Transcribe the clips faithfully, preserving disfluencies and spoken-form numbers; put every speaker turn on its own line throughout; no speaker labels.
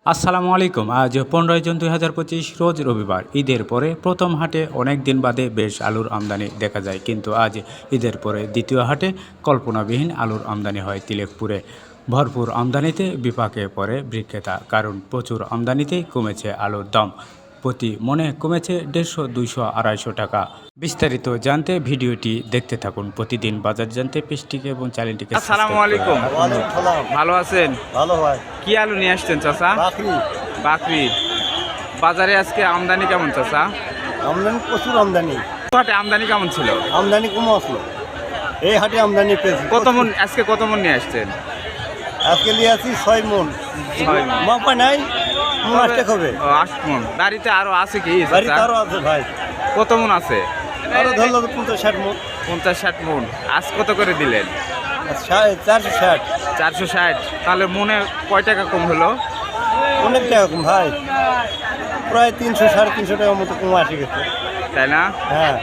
আসসালামু আলাইকুম। আজ পনেরোই জুন দুই হাজার পঁচিশ রোজ রবিবার। ঈদের পরে প্রথম হাটে অনেক দিন বাদে বেশ আলুর আমদানি দেখা যায়, কিন্তু আজ ঈদের পরে দ্বিতীয় হাটে কল্পনাবিহীন আলুর আমদানি হয় তিলেকপুরে। ভরপুর আমদানিতে বিপাকে পড়ে বিক্রেতা, কারণ প্রচুর আমদানিতেই কমেছে আলুর দাম। প্রতি মনে কমেছে দেড়শো দুইশো আড়াইশো টাকা। বিস্তারিত জানতে ভিডিওটি দেখতে থাকুন। প্রতিদিন বাজার জানতে পেজটিকে এবং চ্যানেলটিকে
আসসালামু আলাইকুম। ভালো আছেন?
ভালো ভাই।
কি আলু নিয়ে আসছেন চাচা?
বাকরি
বাকরি। বাজারে আজকে আমদানি কেমন চাচা?
আমদানি প্রচুর আমদানি।
হাটে আমদানি কেমন ছিল?
আমদানি কম আসলো, এই হাটে আমদানি পেয়েছি।
কত মন আজকে কত মন নিয়ে আসছেন?
আজকে নিয়ে আসি ছয় মন।
ছয় মণ।
মাপা নাই, মন আসতে হবে।
ও, আট মন। বাড়িতে আরো আছে কি
বাড়িতে
চাচা?
আরো আছে ভাই,
কত মন আছে?
আরো ধরলো পঞ্চাশ ষাট মন।
পঞ্চাশ ষাট মন। আজ কত করে দিলেন?
চারশো ষাট।
চারশো ষাট। তাহলে মনে কয় টাকা কম হলো?
অনেক টাকা কম ভাই, প্রায় তিনশো সাড়ে তিনশো টাকার মতো কম আসে গেছে।
তাই না?
হ্যাঁ,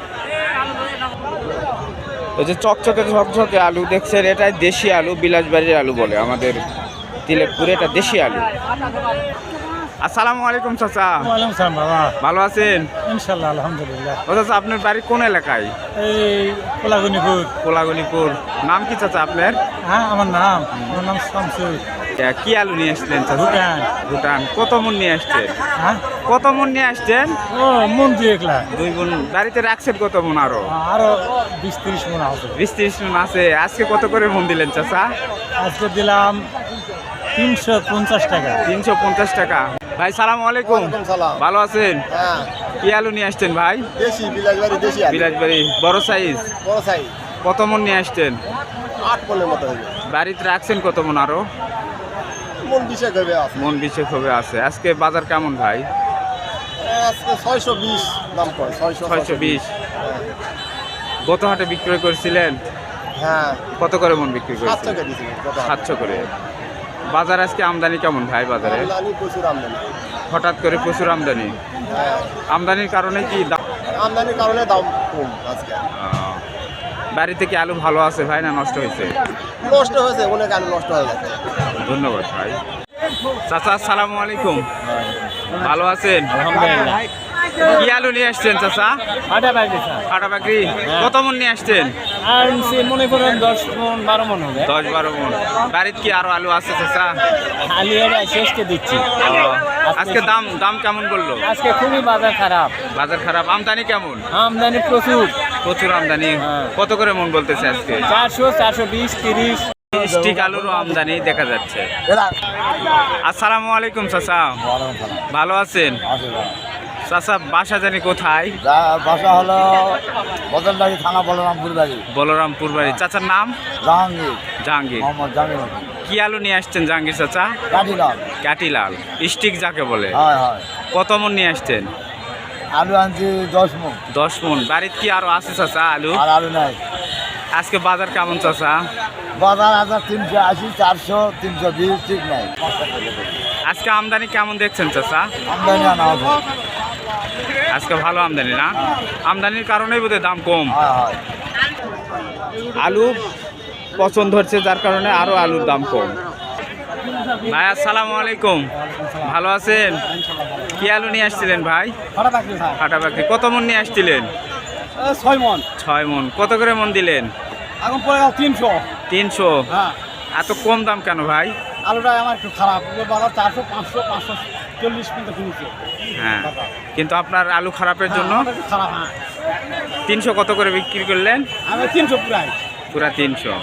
ওই যে চকচকে ঝকঝকে আলু দেখছেন, এটাই দেশি আলু, বিলাসবাড়ির আলু বলে আমাদের তিলেকপুরে। এটা দেশি আলু। আসসালামু আলাইকুম চাচা।
ওয়ালাইকুম সালাম বাবা।
ভালো আছেন?
ইনশাল্লাহ আলহামদুলিল্লাহ।
ও চাচা, আপনার বাড়ি কোন এলাকায়?
এই কোলাগনিপুর।
কোলাগনিপুর। নাম কি চাচা আপনার?
হ্যাঁ, আমার নাম আমার নাম শামসুল।
আহ, কি আলু নিয়ে আসলেন চাচা?
ভুটান।
ভুটান। কত মন নিয়ে আসছেন?
হ্যাঁ,
কত মন নিয়ে আসছেন?
ও মন দিয়ে একলা,
দুই মন। বাড়িতে রাখছেন কত মন? আরো
আরো বিশ তিরিশ মন আছে।
বিশ ত্রিশ মন আছে। আজকে কত করে মন দিলেন চাচা?
আজকে দিলাম তিনশো পঞ্চাশ টাকা।
তিনশো পঞ্চাশ টাকা। ভাই সালাম আলাইকুম। ভালো আছেন?
হ্যাঁ,
কি আলু নিয়ে আসছেন ভাই?
দেশি বিলাসবাড়ি, দেশি আলু।
বিলাসবাড়ি। বড় সাইজ।
বড় সাইজ,
কত মন নিয়ে আসছেন?
আট মনের মতো হবে।
বাড়িতে রাখছেন কত মন? আরো
মন বিশেক হবে আছে।
মন বিশেক হবে আছে। আজকে বাজার কেমন ভাই?
আজকে ছয়শো বিশ দাম পড়ে। ছয়শো
ছয়শো বিশ। গত হাটে বিক্রয় করেছিলেন
হ্যাঁ,
কত করে মন বিক্রি
সাতশো
করেছিলেন?
টাকা দিয়েছিল।
সাতশো করে। বাজার আজকে আমদানি কেমন ভাই? বাজারে
আমদানি প্রচুর আমদানি।
হঠাৎ করে প্রচুর আমদানি।
হ্যাঁ,
আমদানির কারণে কি দাম?
আমদানির কারণে দাম কম আজকে।
আহ, বাড়িতে কি আলু ভালো আছে ভাই, না নষ্ট হয়েছে?
নষ্ট হয়েছে, অনেক আলু নষ্ট হয়ে গেছে।
ধন্যবাদ ভাই। চাচা আসসালামু আলাইকুম। ভালো আছেন?
আলহামদুলিল্লাহ।
কি আলু নিয়ে আসছেন চাচা?
আটা বাকি স্যার।
কাটা বাকরি। কত মন নিয়ে আসছেন?
আর সে মনে করেন দশ মন বারো মন হবে।
দশ বারো মন। বাড়িতে কি আরো আলু আছে চাচা?
আলু এটা শেষকে দিচ্ছি।
আজকে দাম দাম কেমন বললো?
আজকে খুবই বাজার খারাপ,
বাজার খারাপ। আমদানি কেমন?
আমদানি প্রচুর।
প্রচুর আমদানি।
হ্যাঁ।
কত করে মন বলতেছে আজকে?
চারশো চারশো বিশ তিরিশ।
স্টিক আলুরও আমদানি দেখা যাচ্ছে। আসসালামু আলাইকুম চাচা। ভালো আছেন? চাচা বাসা জানি কোথায়?
বাসা হলো বদলবাড়ি থানা, বলরামপুর বাড়ি।
বলরামপুর বাড়ি। চাচার নাম?
জাহাঙ্গীর।
জাহাঙ্গীর।
মোহাম্মদ জাহাঙ্গীর।
কি আলু নিয়ে আসছেন জাহাঙ্গীর চাচা?
কাটিলাম।
কাটিলাল। স্টিক যাকে বলে।
হয় হয়।
কত মন নিয়ে আসছেন?
আলু আনছি দশ মন।
দশ মন। বাড়িতে কি আরো আছে চাচা আলু?
আর আলু নাই।
আজকে বাজার কেমন চাচা?
বাজার হাজার তিনশো আশি, চারশো, তিনশো বিশ, ঠিক নাই।
আজকে আমদানি কেমন দেখছেন চাচা?
আমদানি আনা হবে।
আজকে ভালো আমদানি না? আমদানির কারণেই বোধহয় দাম কম।
হয় হয়।
আলু পছন্দ হচ্ছে, যার কারণে আরো আলুর দাম কম। ভাই আসসালামু আলাইকুম। ভালো আছেন? কি আলু নিয়ে আসছিলেন ভাই? ফাটা বাকরি। কত মন নিয়ে আসছিলেন?
ছয় মন।
ছয় মন। কত করে মন দিলেন?
এখন পড়ে গেল তিনশো।
তিনশো।
হ্যাঁ,
এত কম দাম কেন ভাই?
আলুটা আমার একটু খারাপ। বাজার চারশো পাঁচশো পাঁচশো চল্লিশ পর্যন্ত কিনেছে।
হ্যাঁ, কিন্তু আপনার আলু খারাপের জন্য
খারাপ। হ্যাঁ,
তিনশো কত করে বিক্রি করলেন?
আমি তিনশো প্রায়।
পুরা তিনশো।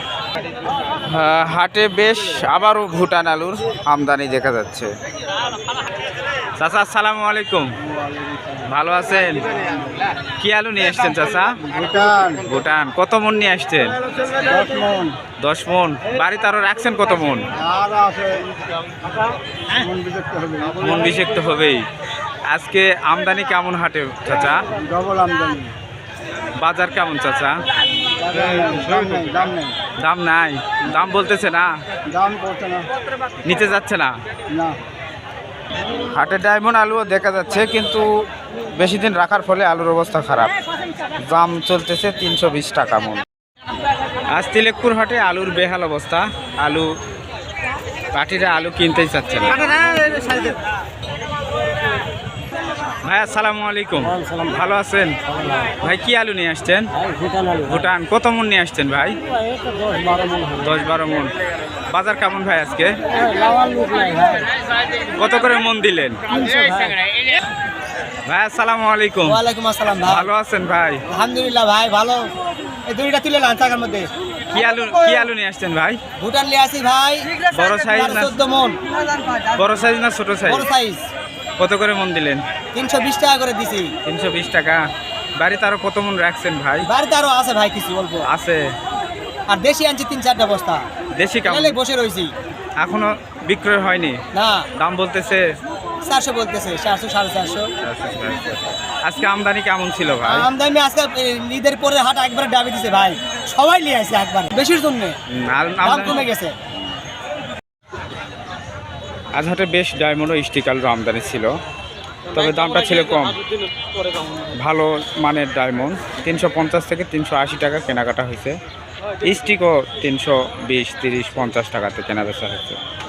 হাটে বেশ আবারও ভুটান আলুর আমদানি দেখা যাচ্ছে। চাচা আসসালামু আলাইকুম। ভালো আছেন? কি আলু নিয়ে আসছেন চাচা?
ভুটান।
ভুটান। কত মন নিয়ে আসছেন?
দশ মন।
দশ মন। বাড়িতে আরো রাখছেন কত মন?
আর আছে মন বিরক্ত হবে।
মন বিশেক তো হবেই। আজকে আমদানি কেমন হাটে চাচা?
ডবল আমদানি।
বাজার কেমন চাচা?
দাম নেই, দাম নেই।
দাম নাই। দাম বলতেছে না?
দাম করছে না।
নিতে যাচ্ছে না?
না।
হাটে ডায়মন্ড আলুও দেখা যাচ্ছে, কিন্তু বেশি দিন রাখার ফলে আলুর অবস্থা খারাপ। দাম চলতেছে তিনশো বিশ টাকা মন। আজ তিলেকপুর হাটে আলুর বেহাল অবস্থা। আলু পাটিরা আলু কিনতেই চাচ্ছে না। ভাই আসসালামু আলাইকুম ভালো আছেন ভাই কি আলু নিয়ে আসছেন ভুটান কত মন নিয়ে আসছেন ভাই দশ বারো মন বাজার কেমন ভাই আজকে কত করে মন দিলেন ভাই আসসালামু আলাইকুম
ওয়ালাইকুম আসসালাম ভাই
ভালো আছেন ভাই
আলহামদুলিল্লাহ ভাই ভালো এই দুইটা তুলে লান টাকার মধ্যে
কি আলু কি আলু নিয়ে আসছেন ভাই
ভুটান নিয়ে আসি ভাই
বড় সাইজ না
চোদ্দ মন
বড় সাইজ না ছোট সাইজ
বড় সাইজ
কত করে মন দিলেন
তিনশো বিশ টাকা করে দিছি
তিনশো বিশ টাকা বাড়িতে আরো কত মন রাখছেন ভাই
বাড়িতে আরো আছে ভাই কিছু অল্প
আছে
আর দেশি আনছি তিন চারটা বস্তা
দেশি কেমন
এলাই বসে রয়েছি
এখনো বিক্রয় হয়নি
না
দাম বলতেছে
চারশো বলতেছে চারশো সাড়ে চারশো
আজকে আমদানি কেমন ছিল ভাই
আমদানি আজকে এ, ঈদের পরে হাট একবারে ডাবি দিছে ভাই সবাই নিয়ে আসছে একবার বেশির জন্য
হুম, আর
দাম
আমদানি-
কমে গেছে
আজ হাটে বেশ ডায়মন্ড ও স্টিক আলুর আমদানি ছিল তবে দামটা ছিল কম ভালো মানের ডায়মন্ড তিনশো পঞ্চাশ থেকে তিনশো আশি টাকা কেনাকাটা হয়েছে স্টিকও তিনশো বিশ তিরিশ পঞ্চাশ টাকাতে কেনা বেচা হয়েছে